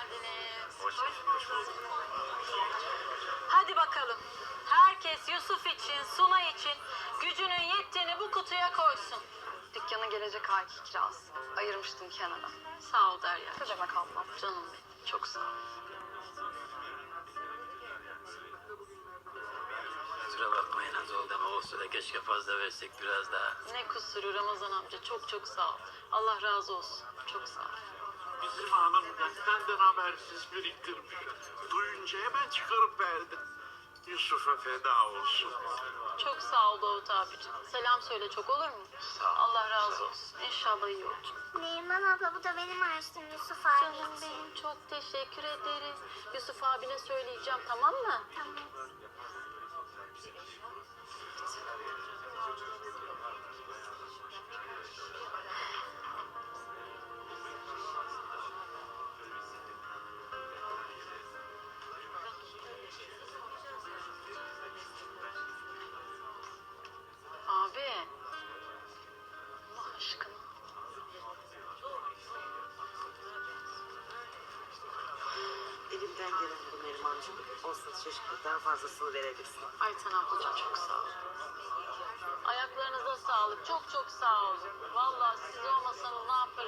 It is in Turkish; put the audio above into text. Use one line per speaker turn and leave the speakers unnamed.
geldiniz.
Hoş bulduk.
Hadi bakalım. Herkes Yusuf için, Suna için gücünün yettiğini bu kutuya koysun.
Dükkanın gelecek ayki kirası. Ayırmıştım kenara.
Sağ ol Derya.
Ne demek ablam?
Canım benim. Çok sağ ol.
Kusura bakmayın az oldu ama olsa da keşke fazla versek biraz daha.
Ne kusuru Ramazan amca. Çok çok sağ ol. Allah razı olsun. Çok sağ ol.
Bizim hanım benden habersiz biriktirmiş. Duyunca hemen çıkarıp verdi. Yusuf'a feda olsun.
Çok sağ ol Davut abicim. Selam söyle çok olur mu?
Sağ ol.
Allah razı olsun. İnşallah iyi olur.
Neriman abla bu da benim harçlığım Yusuf abi
Canım
için.
benim çok teşekkür ederiz. Yusuf abine söyleyeceğim tamam mı?
Tamam.
Abi. Allah aşkına.
Elimden gelen bu Nerimancığım. Olsun çeşitlikten fazlasını verebilirsin.
Ayten ablacığım çok sağ ol. Ayaklarınıza sağlık. Çok çok sağ olun. Vallahi siz olmasanız ne yaparım